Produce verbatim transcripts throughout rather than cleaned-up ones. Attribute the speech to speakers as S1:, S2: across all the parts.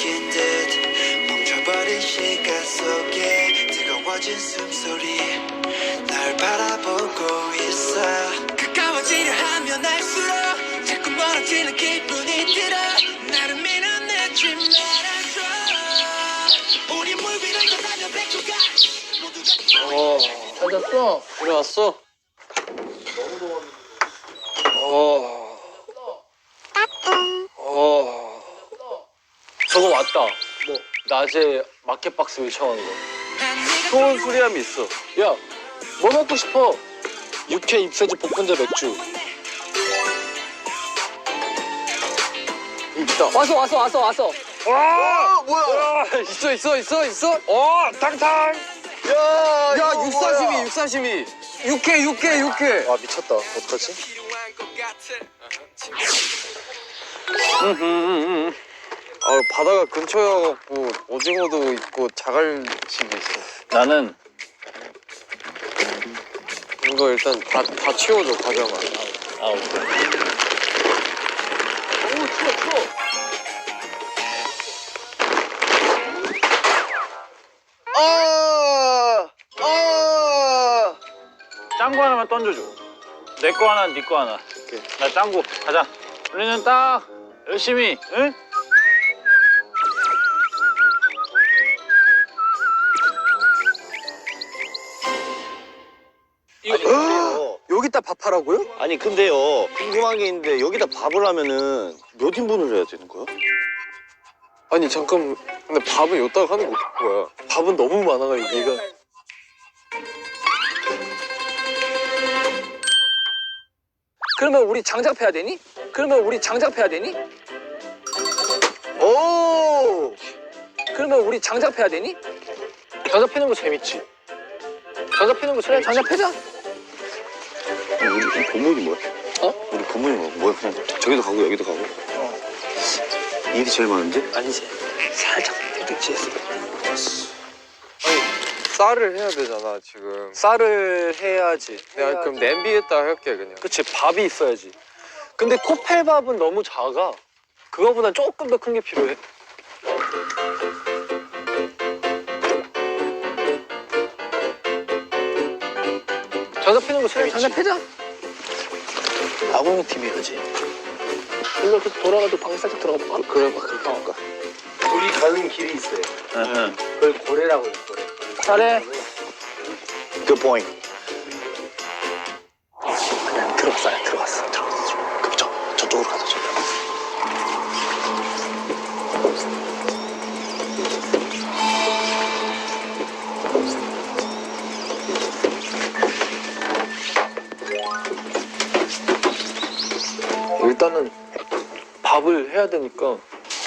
S1: 느낀 듯 멈춰버린 시간 속에 뜨거워진 숨소리 날 바라보고 있어. 가까워지려 하면 할수록 자꾸 멀어지는 기분이 들어. 나를 밀어내지 말아줘. 우리 물 위를 떠나며 백조가
S2: 어, 찾았어?
S3: 일어났어? 어. 어. 저거 맞다. 뭐 낮에 마켓박스 요청하는 거. 소원 수리함이 있어. 야, 뭐 먹고 싶어? 육회 입새지 볶은자 맥주. 있다.
S2: 왔어, 왔어, 왔어, 왔어.
S3: 와, 뭐야? 와, 있어, 있어, 있어, 있어. 어, 탕탕. 야, 야, 육사시미, 육사시미. 육회, 육회, 육회.
S4: 아 미쳤다. 어떡하지?
S3: 아, 바다가 근처여갖고 오징어도 있고 자갈치도 있어.
S4: 나는
S3: 이거 일단 다, 다 치워줘, 가져가.
S4: 아 오케이.
S2: 오, 추워, 추워.
S3: 아, 아.
S4: 짱구 하나만 던져줘. 내 거 하나, 네 거 하나. 오케이. 나 짱구 가자. 우리는 딱 열심히, 응?
S3: 이거 여기다 밥하라고요?
S5: 아니 근데요 궁금한 게 있는데 여기다 밥을 하면은 몇 인분을 해야 되는 거야?
S3: 아니 잠깐, 근데 밥은 여기다가 하는 거 뭐야? 밥은 너무 많아가지고 얘가.
S2: 그러면 우리 장작패야 되니? 그러면 우리 장작패야 되니?
S3: 오!
S2: 그러면 우리 장작패야 되니?
S3: 겨자 피는 거 재밌지? 겨자 피는 거
S2: 그래,
S3: 재밌지?
S2: 장작 패자.
S5: 우리, 우리 건물이 뭐야?
S2: 어?
S5: 우리 건물이 뭐야? 뭐야 그냥 저기도 가고 여기도 가고 일이 제일 많은데?
S2: 아니지. 살짝 택지했어.
S3: 아니, 쌀을 해야 되잖아 지금. 쌀을 해야지. 내가 그럼 냄비에다 할게 그냥. 그치, 밥이 있어야지. 근데 코펠밥은 너무 작아. 그거보다 조금 더 큰 게 필요해. 겨자 피는 거
S2: 그래,
S3: 재밌지?
S2: 장작 패자.
S4: 아궁이 티비 하지.
S2: 일로 이렇게 돌아가지고 방에 살짝 들어가 볼까?
S3: 그래 봐, 그렇게 할까?
S4: 우리 가는 길이 있어요. 응. 그걸 고래라고 해요, 고래.
S2: 잘해.
S5: Good point.
S4: 그냥 들어갔어요, 들어갔어, 들어갔어. 그럼 저, 저쪽으로 가자, 저.
S3: 일단은 밥을 해야 되니까.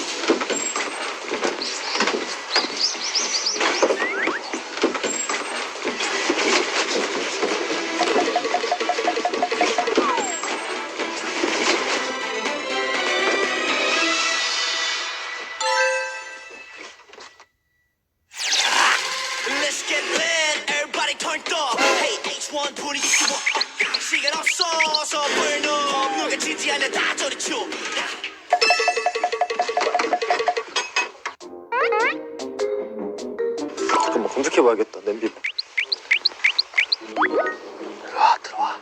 S1: Let's get lit, everybody turned up. Hey, H one 분위기 키워. 시간 없어서 burn up. 누가 지지 않냐 다 저리 쳐.
S3: 잠깐만, 검색해봐야겠다, 냄비.
S4: 들어와, 들어와.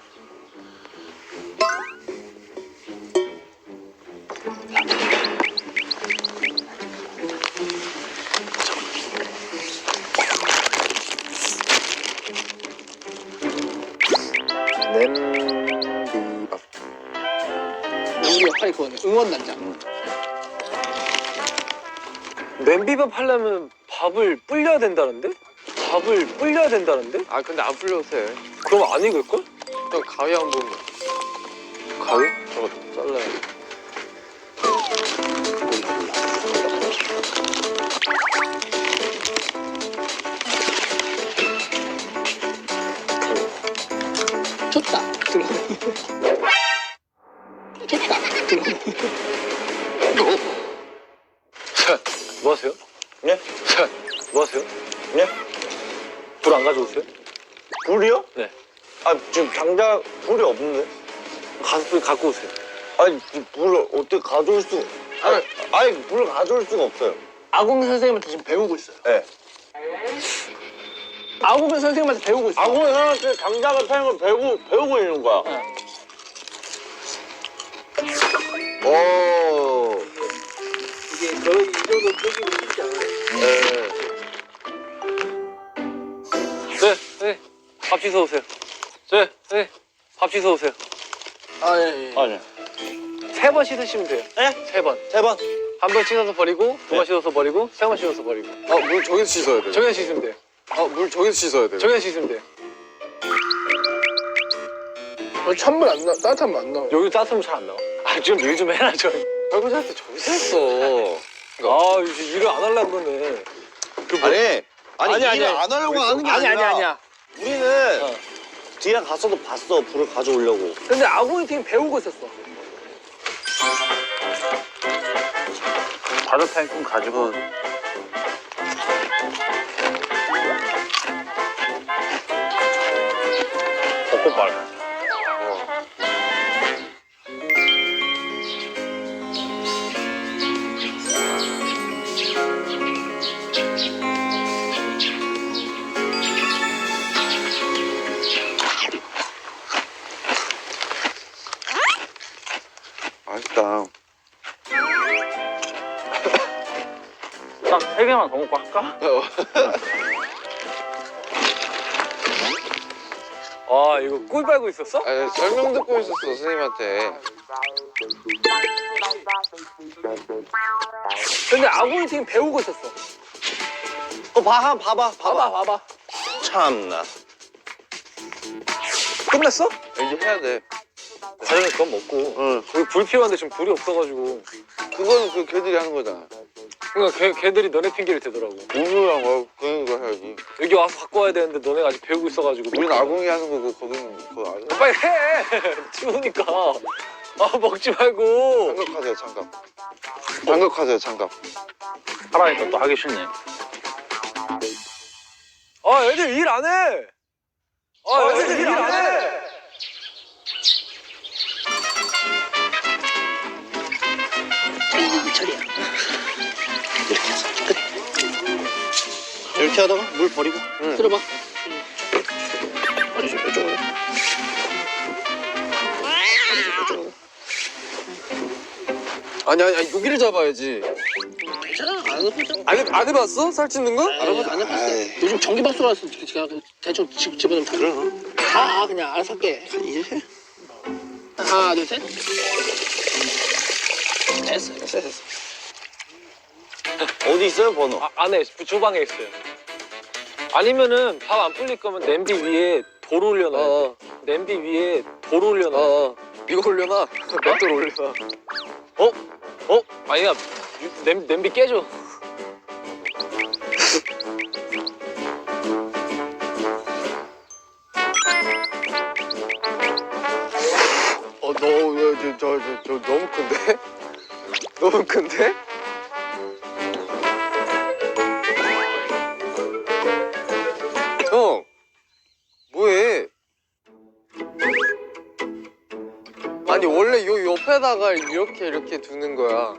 S3: 냄비밥.
S2: 우리 역할이 그거네. 응원단장.
S3: 냄비밥 하려면 밥을 불려야 된다는데? 밥을 불려야 된다는데? 아, 근데 안 불려도 돼. 그럼 안 익을걸? 일단 가위 한번. 가위? 저거 잘라야 돼.
S2: 좋다. 들어. 좋다. 들어.
S3: 자, 뭐 하세요?
S5: 예?
S3: 자, 뭐 하세요?
S5: 예?
S3: 불 안 가져오세요?
S5: 불이요?
S3: 네.
S5: 아 지금 당장 불이 없는데?
S3: 가서 불 갖고 오세요.
S5: 아니 이 불을 어떻게 가져올 수? 아니, 아니 불을 가져올 수가 없어요.
S2: 아궁 선생님한테 지금 배우고 있어요.
S5: 네.
S2: 아궁 선생님한테 배우고 있어요.
S5: 아궁이 형한테 장작을 패는 걸 배우고, 배우고 있는 거야. 오.
S2: 이게 거의 이 정도 끄기고 쉽지 않아요.
S3: 네. 네, 네. 밥 씻어 오세요. 네, 네. 밥 씻어 오세요.
S2: 아, 예, 예.
S5: 아니.
S3: 세 번 씻으시면 돼요.
S5: 네?
S3: 세 번.
S5: 세 번.
S3: 한 번 씻어서 버리고, 두 번
S5: 네.
S3: 씻어서 버리고, 세 번 씻어서 버리고.
S6: 아, 물 저기서 씻어야 돼요.
S3: 저기서 씻으면 돼요.
S6: 아, 물 저기서 씻어야 돼요.
S3: 저기서 씻으면 돼요.
S2: 어, 찬물 안 나, 따뜻한 물 안 나와요.
S3: 여기 따뜻하면 잘 안 나와. 아, 좀 일 좀 해라, 좀.
S6: 설거지할 때 저기서 했어.
S3: 아, 이제 일을 안 하려고 그러네. 그 뭐-
S5: 아니. 아니,
S3: 아니, 아니,
S5: 일을
S3: 아니.
S5: 안 하려고 하는 게
S3: 아니,
S5: 아니라.
S3: 아니, 아니야.
S5: 우리는
S3: 어.
S5: 뒤에 가서도 봤어. 불을 가져오려고.
S2: 근데 아궁이 팀 배우고 있었어.
S4: 바다타임 좀 가지고. 벚꽃 말.
S6: 맛있다.
S4: 딱 세 개만 더 먹고 할까?
S3: 아, 이거 꿀 빨고 있었어?
S6: 아, 설명 듣고 있었어, 선생님한테.
S2: 근데 아궁이 팀 배우고 있었어.
S5: 어, 봐, 한 봐봐.
S2: 봐봐, 봐봐.
S5: 참나.
S2: 끝났어?
S6: 이제 해야 돼.
S3: 과정에 그건 먹고.
S6: 응.
S3: 우리 불 필요한데 지금 불이 없어가지고.
S6: 그거는 그 걔들이 하는 거잖아.
S3: 그러니까 걔, 걔들이 너네 핑계를 대더라고.
S6: 우유랑 뭐 그런 거 해야지.
S3: 여기 와서 갖고 와야 되는데 너네가 아직 배우고 있어가지고.
S6: 우린 아궁이 하는 거고 거기는 그거 안 해.
S3: 빨리 해! 추우니까. 아, 먹지 말고.
S6: 장갑하세요, 장갑. 장갑하세요, 장갑.
S4: 하라니까 또 하기 싫네.
S3: 아, 애들 일 안 해! 아, 애들 일 안 해!
S2: 이거 처리야.
S5: 이렇게 하다가 물 버리고.
S2: 들어봐. 어디 좀 이쪽으로.
S6: 아니, 아니, 아니, 여기를 잡아야지.
S2: 괜찮아. 안 해보자.
S6: 안, 해, 안 해봤어? 살찌는 거?
S2: 안 해보자. 안 해봤어. 요즘 전기밥솥라서 제가 대충 집, 집어넣으면 돼. 가, 그냥 알아서 할게. 하나, 둘, 셋. 됐어, 됐어, 됐어.
S5: 어디 있어요, 번호?
S3: 아, 안에, 주방에 있어요. 아니면은 밥 안 불릴 거면 냄비 위에 돌 올려놔.
S6: 어,
S3: 냄비 위에 돌 올려놔.
S6: 어, 어. 이거 올려놔. 맷돌 올려놔.
S3: 어? 어? 아니야. 유- 냄, 냄비 깨져.
S6: 어, 너, 야, 저, 저, 저, 저 너무 큰데? 너무 큰데? 형, 뭐해? 아니, 원래 요 옆에다가 이렇게 이렇게 두는 거야.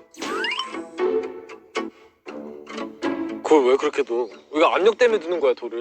S3: 그걸 왜 그렇게 둬? 이거 압력 때문에 두는 거야, 돌을.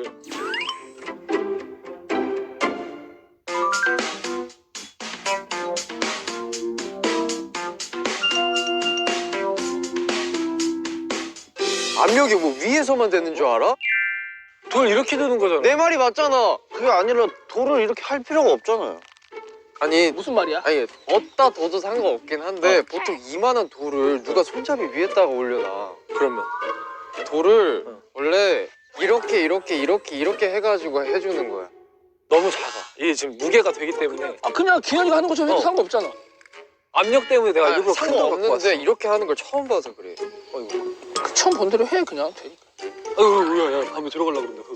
S6: 압력이 뭐 위에서만 되는 줄 알아?
S3: 돌 이렇게 두는 거잖아.
S6: 내 말이 맞잖아.
S5: 그게 아니라 돌을 이렇게 할 필요가 없잖아요.
S6: 아니,
S2: 무슨 말이야?
S6: 아니, 어디다 둬도 상관없긴 한데 보통 이만한 돌을 누가 손잡이 위에다가 올려놔.
S3: 그러면.
S6: 돌을
S3: 어.
S6: 원래 이렇게 이렇게 이렇게 이렇게 해가지고 해주는 거야.
S3: 너무 작아. 이게 지금 무게가 되기 때문에.
S2: 아, 그냥 기현이가 하는 것처럼 해도
S3: 어.
S2: 상관없잖아.
S3: 압력 때문에 내가 일부러 큰 거 갖고 왔어.
S6: 상관없는데 이렇게 하는 걸 처음 봐서 그래.
S3: 아이고.
S2: 그 처음 본 대로 해, 그냥. 되니까.
S3: 아이고, 야, 야, 다음에 들어가려고 그런다.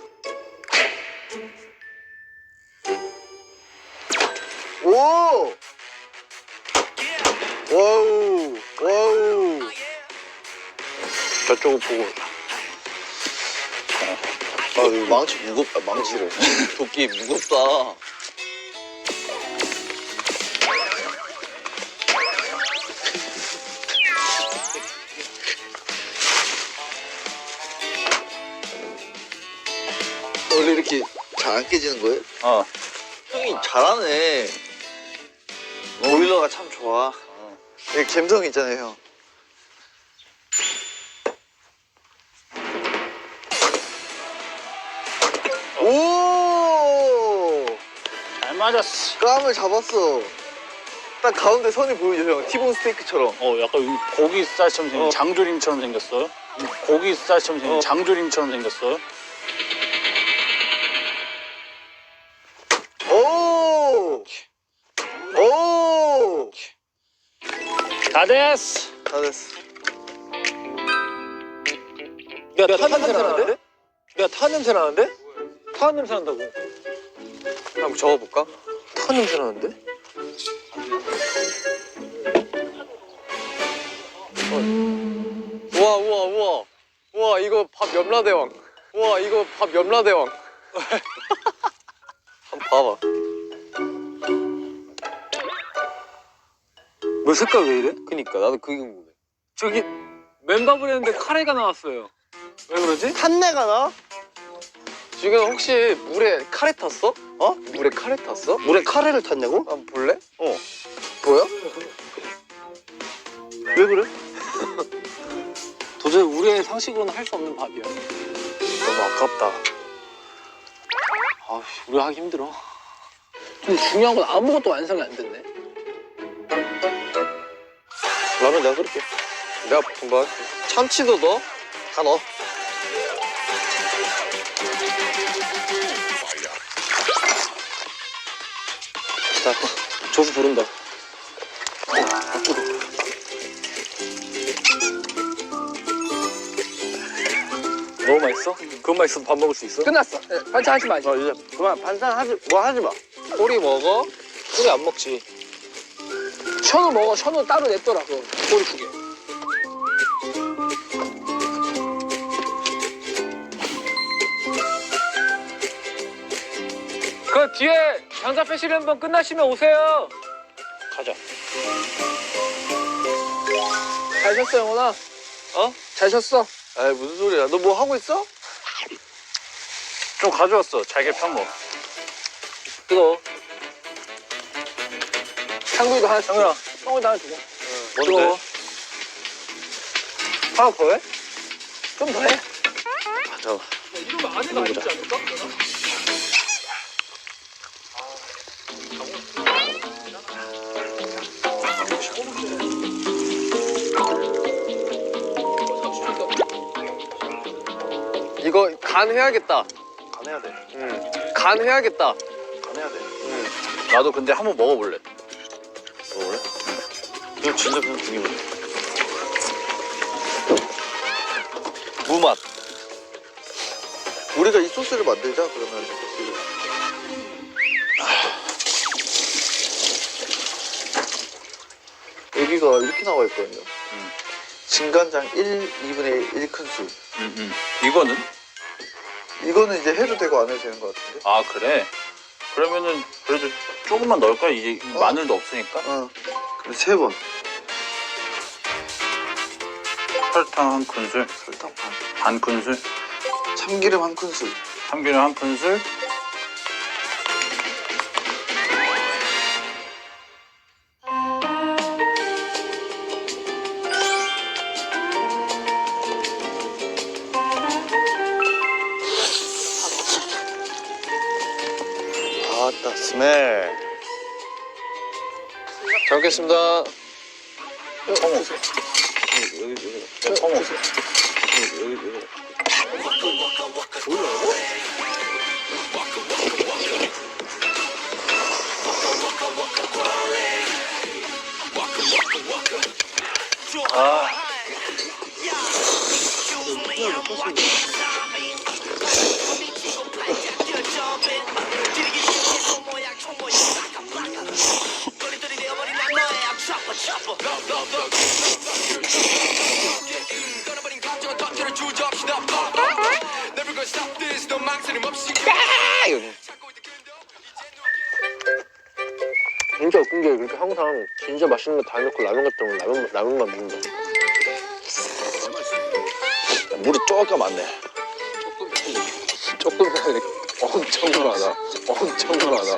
S6: 오! 와우! 와우!
S4: 저쪽을 보고.
S5: 아, 이거 망치 무겁다, 망치를. 도끼 무겁다. 잘 안 깨지는 거예요?
S4: 어.
S5: 형이 잘하네. 보일러가 참 좋아. 이게 감성 있잖아요, 형. 오!
S4: 잘 맞았어.
S5: 깜을 잡았어. 딱 가운데 선이 보이죠, 형. 티본 스테이크처럼.
S4: 어, 약간 이 고기살처럼 생긴
S5: 어.
S4: 장조림처럼 생겼어. 고기살처럼 생긴
S5: 어.
S4: 장조림처럼 생겼어.
S5: 오! 오!
S4: 다 됐어.
S5: 다 됐어.
S3: 야, 타 냄새 나는데? 야, 타 냄새 나는데? 타 냄새 난다고. 한번 적어볼까? 타 냄새 나는데? 어. 우와, 우와, 우와. 우와, 이거 밥 염라대왕. 우와, 이거 밥 염라대왕. 한번 봐봐. 뭐 색깔 왜 이래? 그니까, 나도 그게 궁금해. 저기, 맨밥을 했는데 카레가 나왔어요. 왜 그러지?
S5: 탄내가 나?
S3: 지금 혹시 물에 카레 탔어?
S5: 어?
S3: 물에 카레 탔어?
S5: 물에 카레를 탔냐고?
S3: 한번 볼래?
S5: 어.
S3: 보여?
S5: 왜 그래?
S2: 도저히 우리의 상식으로는 할 수 없는 밥이야.
S3: 너무 아깝다.
S2: 아, 우리 하기 힘들어. 근데 중요한 건 아무것도 완성이 안 됐네.
S5: 라면 내가 끓일게.
S3: 내가 분발할게. 참치도 넣어?
S5: 다 넣어.
S3: 자, 조수 부른다. 너무 맛있어? 그것만 있어도 밥 먹을 수 있어?
S2: 끝났어. 네, 반찬 하지 마지.
S5: 어, 이제 그만 반찬 하지, 뭐 하지 마.
S3: 꼬리 먹어? 꼬리 안 먹지.
S2: 션우 먹어. 션우 따로 냈더라. 그 꼬리 두 개.
S3: 그 뒤에 장사 패시를 한번 끝나시면 오세요.
S4: 가자.
S2: 잘 쉬었어, 영훈아.
S3: 어?
S2: 잘 쉬었어.
S5: 아이, 무슨 소리야. 너 뭐 하고 있어?
S4: 좀 가져왔어. 잘게 편 거.
S3: 뜨거워.
S2: 창구이도 하나 주고.
S3: 창구야.
S2: 형우도 하나 주고.
S3: 뜨거워. 하나 더 해?
S2: 좀 더 해.
S5: 아, 잠깐만.
S2: 이러면 안에가 안 있지 않을까?
S3: 이거 간 해야겠다.
S5: 간 해야 돼.
S3: 응. 간 해야겠다.
S5: 간 해야 돼.
S4: 나도 근데 한번 먹어볼래.
S5: 먹을래? 이거 진짜 그냥 죽이면 돼. 무맛. 우리가 이 소스를 만들자, 그러면. 여기가 이렇게 나와 있거든요.
S4: 음.
S5: 진간장 일, 이분의 일 큰술.
S4: 음, 음. 이거는?
S5: 이거는 이제 해도 되고 안 해도 되는 것 같은데?
S4: 아, 그래? 그러면은 그래도 조금만 넣을까? 이제
S5: 어.
S4: 마늘도 없으니까.
S5: 어. 그럼 세 번.
S4: 설탕 한 큰술,
S5: 설탕 반.
S4: 반 큰술,
S5: 참기름 한 큰술.
S4: 참기름 한 큰술.
S5: 아따, 스멜.
S3: 잘 먹겠습니다.
S4: 청어.
S5: 여기, 여기.
S4: 야, 청어.
S5: 여기, 여기, 여기.
S4: 아,
S3: 진짜 웃긴 게 그렇게 항상 진짜 맛있는 거 다 해놓고 라면 같은 거 라면, 라면만 먹는다.
S5: 물이 조금 많네.
S3: 조금 이렇게
S6: 엄청 많아. 엄청 많아.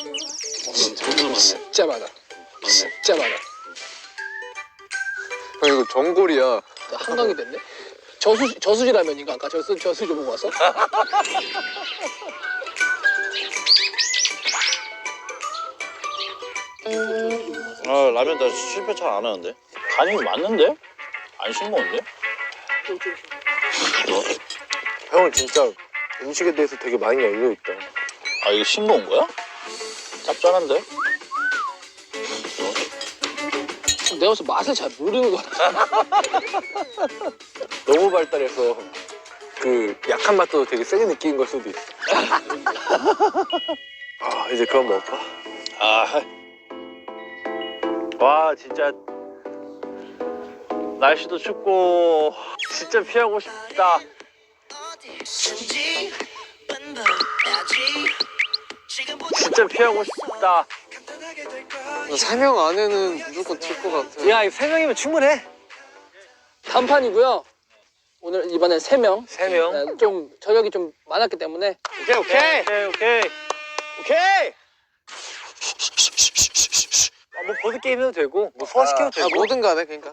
S2: 진짜 많아. 진짜 많아.
S6: 형 이거 전골이야.
S2: 한강이 됐네. 저수 저수지 라면인가 아까 저수 저수지 보고 왔어?
S5: 아 라면 나 실패 잘 안 하는데.
S4: 간이 맞는데? 안 싱거운데?
S6: 형은 진짜 음식에 대해서 되게 많이 열려 있다.
S4: 아 이게 싱거운 거야? 짭짤한데?
S2: 내가 무슨 맛을 잘 모르는 거야.
S6: 너무 발달해서 그 약한 맛도 되게 세게 느끼는 걸 수도 있어. 아 이제 그만 먹을까?
S4: 아, 와 진짜 날씨도 춥고 진짜 피하고 싶다.
S1: 어디선지 뻔뻔하지. 지금부터
S4: 진짜 피하고 싶다.
S1: 간단하게 될 거야.
S6: 세 명 안에는 무조건 칠 것 같아.
S3: 야, 세 명이면 충분해.
S2: 단판이고요. 오늘 이번엔 세 명.
S3: 세 명.
S2: 네, 좀 저력이 좀 많았기 때문에
S5: 오케이 오케이
S4: 오케이 오케이.
S5: 오케이.
S3: 아, 뭐 보드 게임 해도 되고, 뭐 소화시켜도
S6: 아
S3: 되고.
S6: 뭐든 간에 그러니까.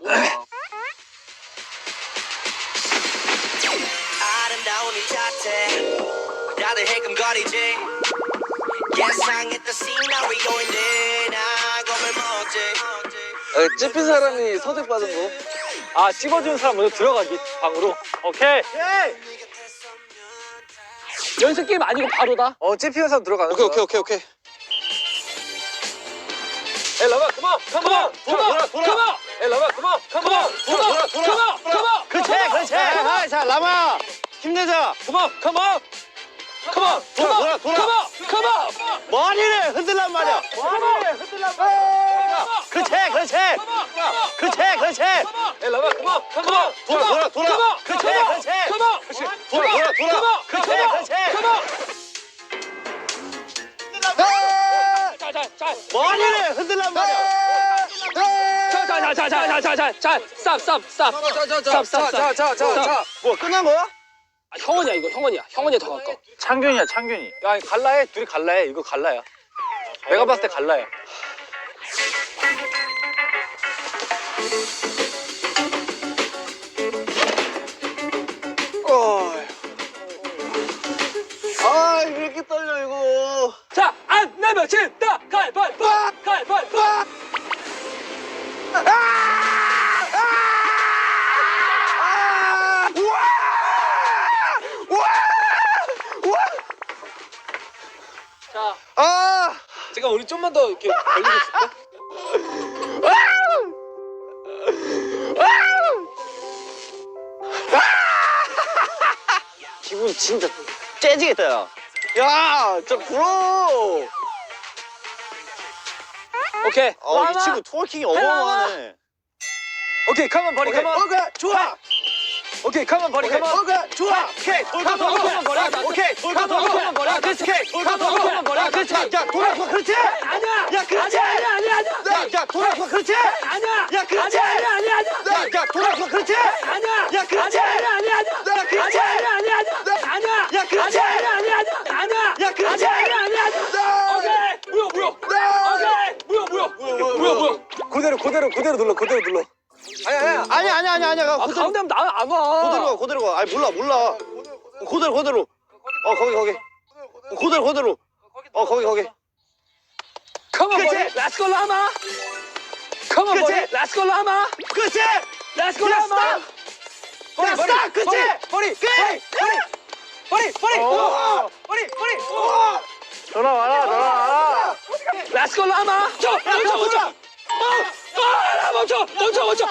S1: 아름다운 이 자태 다들 해금거리지. 예상했던 시나리오인데 나 겁을 먹지.
S6: 아, 찝힌 사람이 선택 받은 거.
S3: 아, 찝어주는 사람 먼저 들어가기 방으로.
S4: 오케이.
S2: 연습 게임 아니고 바로다.
S3: 어, 찝히는 사람 들어가는
S5: 오케이
S3: 거야.
S5: 오케이 오케이 오케이.
S3: 에 러바, 컴온, 컴온,
S5: 돌아 돌아 돌아.
S3: 에 러바, 컴온, 컴온,
S5: 돌아 돌아 돌아.
S2: 컴온.
S5: 그렇지 그렇지. 아, 자 라마 힘내자.
S3: 컴온, 컴온, 컴온,
S5: 돌아 돌아 돌아.
S2: 컴온.
S5: 머리를 흔들란 말이야.
S3: 머리를 흔들란 말이야.
S5: 그렇지 그렇지. 그렇지 그렇지.
S3: 에 러바, 컴온, 컴온,
S5: 돌아 돌아 돌아. 그렇지 그렇지.
S2: 컴온.
S5: 돌아 돌아 돌아. 그렇지 그렇지.
S2: 자, 자, 자.
S5: 머리를 흔들란 말이야.
S2: 자, 자, 자, 자, 자, 자, 자, 자, 스탑, 스탑, 스탑. 스탑, 스탑, 스탑.
S6: 자자자자자.
S5: 뭐 끝난 거야?
S2: 아, 형원이야 이거 형원이야. 형원이 더 가까워.
S4: 창균이야 창균이.
S3: 야, 갈라해. 둘이 갈라해. 이거 갈라야. 내가 봤을 때 갈라야.
S5: 아 왜 이렇게 떨려 이거.
S2: 자, 안 내면 진다. 가위바위보. 가위바위보. 자,
S5: 아.
S2: 제가 우리 좀만 더 이렇게 걸리고 있을까?
S5: 기분 진짜 째지겠다 야. 야, 진짜 부러워.
S2: 오케이.
S5: 어, 이 친구 트월킹이 어마어마하네.
S3: 오케이, 컴온, 버리, 컴온.
S5: 오케이, 좋아.
S3: 오케이, 컴온, 버리,
S5: 오케이,
S3: 컴온.
S5: 오케이, 좋아. 오케이, 돌고 돌고.
S2: 컴온, 버려.
S5: 오케이, 돌고 돌고.
S2: 컴온, 버려.
S5: 그렇지, 돌고 돌고.
S2: 컴온, 버려.
S5: 그렇지, 야, 돌아서 그렇지.
S2: 아니야.
S5: 야, 그렇지.
S2: 아니야, 아니야, 아니야.
S5: 야, 야, 돌아서 그렇지.
S2: 아니야.
S5: 야, 그렇지.
S2: 아니야, 아니야, 아니야.
S5: 야, 야, 돌아서 그렇지.
S2: 아니야.
S5: 야, 그렇지.
S2: 아니야, 아니야, 아니야.
S5: 야, 그렇지.
S2: 아니야, 아니야, 아니야. 아니야.
S5: 야, 그렇지.
S2: 아니야, 아니야, 아니야. 아니야.
S5: 야, 그렇지.
S2: 아니야, 아니야, 아니야. 오케이. 뭐야, 뭐야. 오케이. 뭐야, 뭐야. 뭐야, 뭐야.
S3: 그대로, 그대로, 그대로 눌러, 그대로 눌러. 아니, 아니,
S5: 아니, 아니, 아니, 아니.
S2: 아,
S5: 그대로
S2: 가운데 하면 나안 와.
S5: 그대로 가, 그대로 가. 아니, 몰라, 몰라. 그대로, 그대로. 어, 거기, 거기. 그대로, 그대로. 어, 거기, 거기.
S2: Come on,
S5: 그렇지.
S2: boy. Let's go, Lama. Come on, boy.
S5: 그렇지.
S2: Let's go, Lama.
S5: 그렇지.
S2: Let's go,
S5: 야,
S2: Lama.
S5: 스탑. 야, 스탑. 그렇지.
S3: 버리,
S5: 그래.
S3: 버리, 버리,
S5: 어.
S3: 버리, 버리.
S4: 전화 와라 전화 와라.
S2: Let's go, Lama. 멈춰, 멈춰, 멈춰. 어, 아, 멈춰, 멈춰, 멈춰.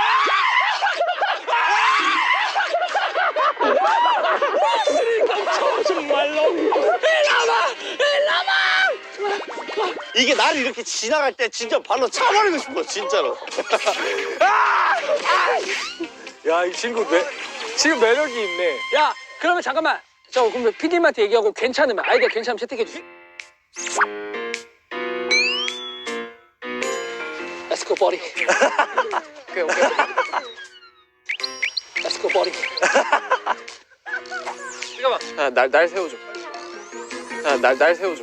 S2: 멈춰, 정말로. 일라마, 일라마.
S5: 이게 나를 이렇게 지나갈 때 진짜 발로 차버리고 싶어, 진짜로.
S3: 야, 이 친구 매, 지금 매력이 있네.
S2: 야, 그러면 잠깐만. 저 그럼 피디님한테 얘기하고 괜찮으면 아이디어 괜찮으면 채택해 주세요. Let's go, buddy.
S6: 오케이 오케이.
S2: Let's go, buddy.
S3: 잠깐만.
S6: 아, 날, 날 세워줘.
S3: 야, 날, 날 세워줘.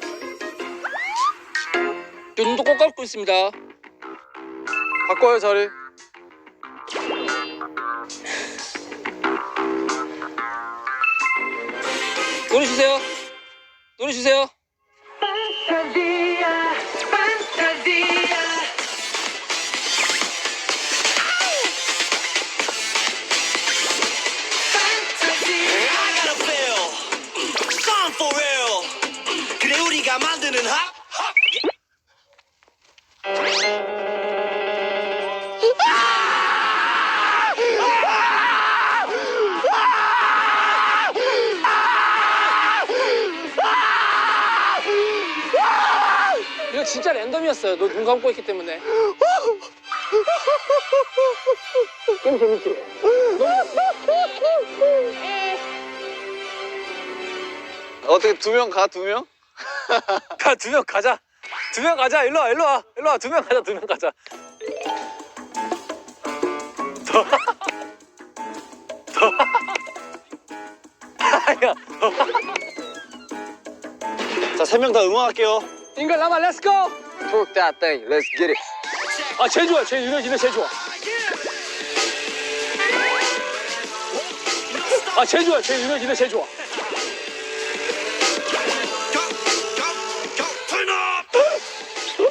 S2: 눈도 꼭 감고 있습니다.
S3: 바꿔요, 자리.
S2: 노래 주세요. 노래 주세요.
S1: I gotta feel Sun for real 그래 우리가 만드는 핫
S2: 이거 진짜 랜덤이었어요. 너 눈 감고 있기 때문에. 게임 재밌지?
S3: 어떻게 두 명 가, 두 명? 가, 두 명 가자. 두 명 가자. 일로 와, 일로 와. 일로 와. 두 명 가자, 두 명 가자. 더. 더. 아니야.
S5: 자, 세 명 다 응원할게요.
S2: 잉글 라마 렛츠고.
S3: Talk that thing. Let's get it.
S2: 아 제일 좋아. 제일 유래 유래 제일 좋아. 아 제일 좋아. 제일 유래 유래 제일 좋아.
S1: Turn up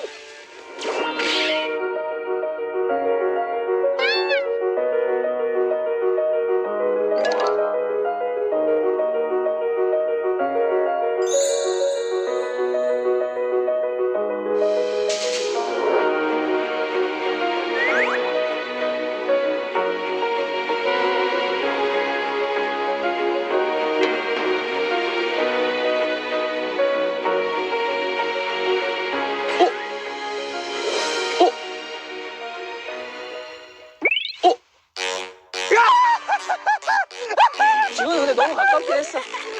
S2: 지금 근데 너무 가깝게 했어.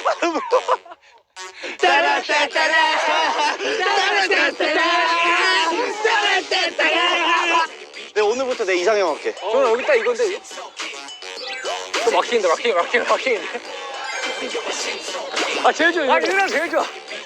S5: 내 오늘부터 내 이상형 할게.
S3: 저는 여기 딱 이건데. 또 막히는데, 막히는, 막히는, 막히는데.
S2: 아 제일 좋아.
S3: 아, 유라 제일 좋아.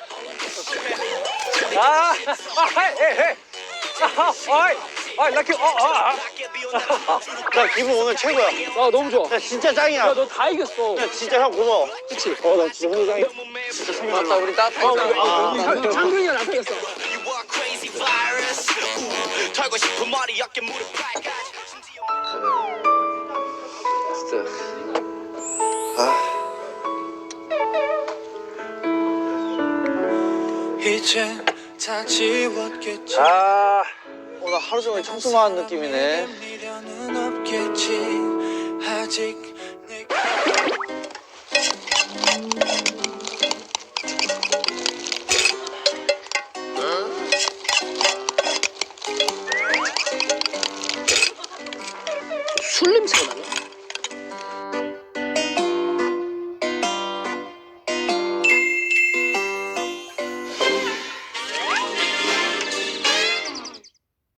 S3: 아, 아, 헤이, 헤이, 헤이. 아, 아이, 아, 나 그, 어, 아, 아.
S5: 나 기분 오늘 최고야.
S2: 아 너무 좋아.
S5: 야, 진짜 짱이야.
S2: 야 너 다 이겼어.
S5: 야, 진짜 형 고마워.
S2: 그치?
S5: 어, 나 진짜 오늘 짱이야.
S3: 맞다, 우리 따뜻하게.
S2: 창근이가 나서 이겼어.
S1: You are crazy virus 우, 털고 싶은 머리 어깨 무릎 발까지
S7: 이젠 다 지웠겠지
S3: 아, 오늘 하루 종일 청소만 한 느낌이네.
S7: 미련은 없겠지 아직 내가
S2: 술 냄새가 나네.